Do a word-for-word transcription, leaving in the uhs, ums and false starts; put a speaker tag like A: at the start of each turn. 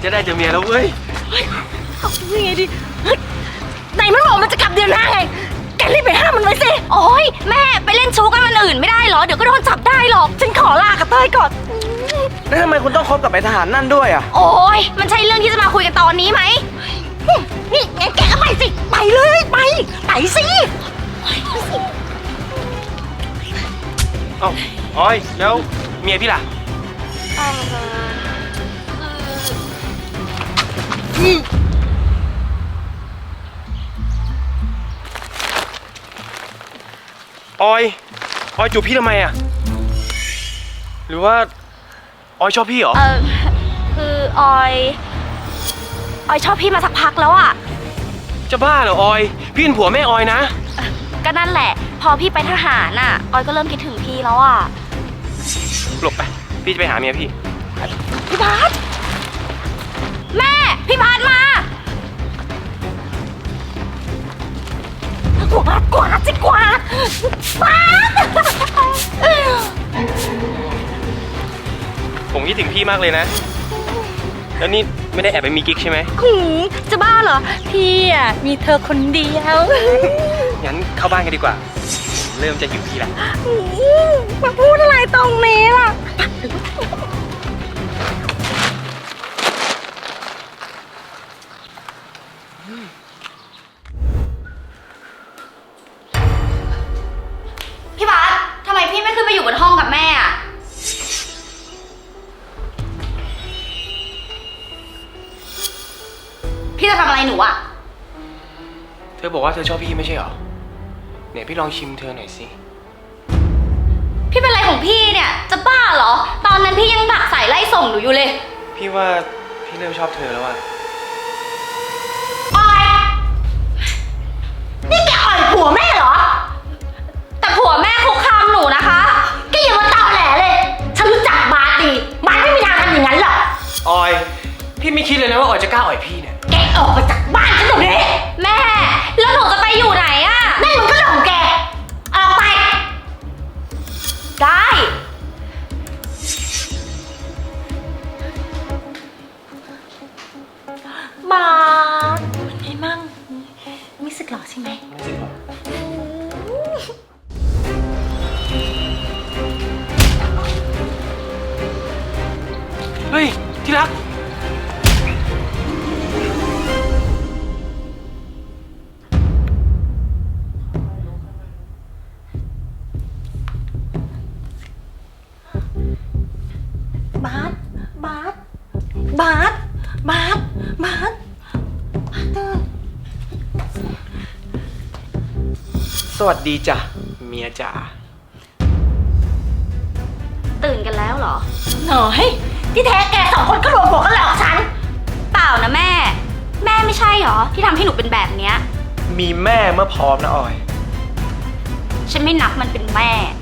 A: จะได้เจอเมียแล้วเว้ย
B: เอายังไงดีไหนมันบอกมันจะกลับเดือนหน้าไงแกรีบไปห้ามมันไว้สิโอ้ยแม่ไปเล่นชู้กันวันอื่นไม่ได้เหรอเดี๋ยวก็โดนจับได้หรอกฉันขอลากับเต้ยก่อน
A: แล้วทำไมคุณต้องคบกับไอ้ทหารนั่นด้วยอ่ะ
B: โอ้ยมันใช่เรื่องที่จะมาคุยกันตอนนี้ไหมนี่งั้นแกก็ไปสิไปเลยไปไปสิ
A: เอ้าออยแล้วเมียพี่ล่ะออยออยจูบพี่ทำไมอ่ะหรือว่าออยชอบพี่เหรอ
B: เออคือออยออยชอบพี่มาสักพักแล้วอ่ะ
A: จะบ้าเหรอออยพี่เป็นผัวแม่ออยนะ
B: ก็นั่นแหละพอพี่ไปทหารน่ะออยก็เริ่มคิดถึงพี่แล้วอ่ะ
A: หลบไปพี่จะไปหาเมียพี่
B: พี่บาสแม่พี่บาสมากวาดกวาดสิกวาดบาส
A: ผมคิดถึงพี่มากเลยนะแล้วนี่ไม่ได้แอบไปมีกิ๊กใช่ไหม
B: จะบ้าเหรอพี่อ่ะมีเธอคนเดียว
A: งั้นเข้าบ้านกันดีกว่าเริ่มจะหิวพี่ละ
B: มาพูดอะไรตรงนี้ล่ะพี่บาสทำไมพี่ไม่ขึ้นไปอยู่บนห้องกับแม่อ่ะพี่จะทำอะไรหนูอ่ะ
A: เธอบอกว่าเธอชอบพี่ไม่ใช่หรอเนี่ยพี่ลองชิมเธอหน่อยสิ
B: พี่เป็นอะไรของพี่เนี่ยจะบ้าเหรอตอนนั้นพี่ยังดักสายไล่ส่งหนูอยู่เลย
A: พี่ว่าพี่เริ่มชอบเธอแล้วอะ
B: ออยนี่แกอ่อยผัวแม่เหรอแต่ผัวแม่คุกคามหนูนะคะแกอย่ามาตอแหลเลยฉันรู้จักบาสดีบาสไม่มีทางทำอย่างนั้นหรอก
A: ออยพี่ไม่คิดเลยนะว่าออยจะกล้าอ่อยพี่เนี่ย
B: แกออกไปจากบ้านฉันเดี๋ยวนี้แม่แล้วหนูจะไปอยู่ไหนอะนั่นมันก็เรื่องของแกออกไปได้มาเป็นไงมั่งไม่สึกหรอใช่ไหม
A: ไม่สึกหรอเฮ้ยที่รัก
B: บาสบาสบาสบาสบาสตื่น
A: สวัสดีจ้ะเมียจ๋า
B: ตื่นกันแล้วเหรอหน่อยที่แท้แกสองคนก็รวมหัวกันหลอกฉันเปล่านะแม่แม่ไม่ใช่เหรอที่ทำให้หนูเป็นแบบเนี้ย
A: มีแม่เมื่อพร้อมนะออย
B: ฉันไม่นับมันเป็นแม่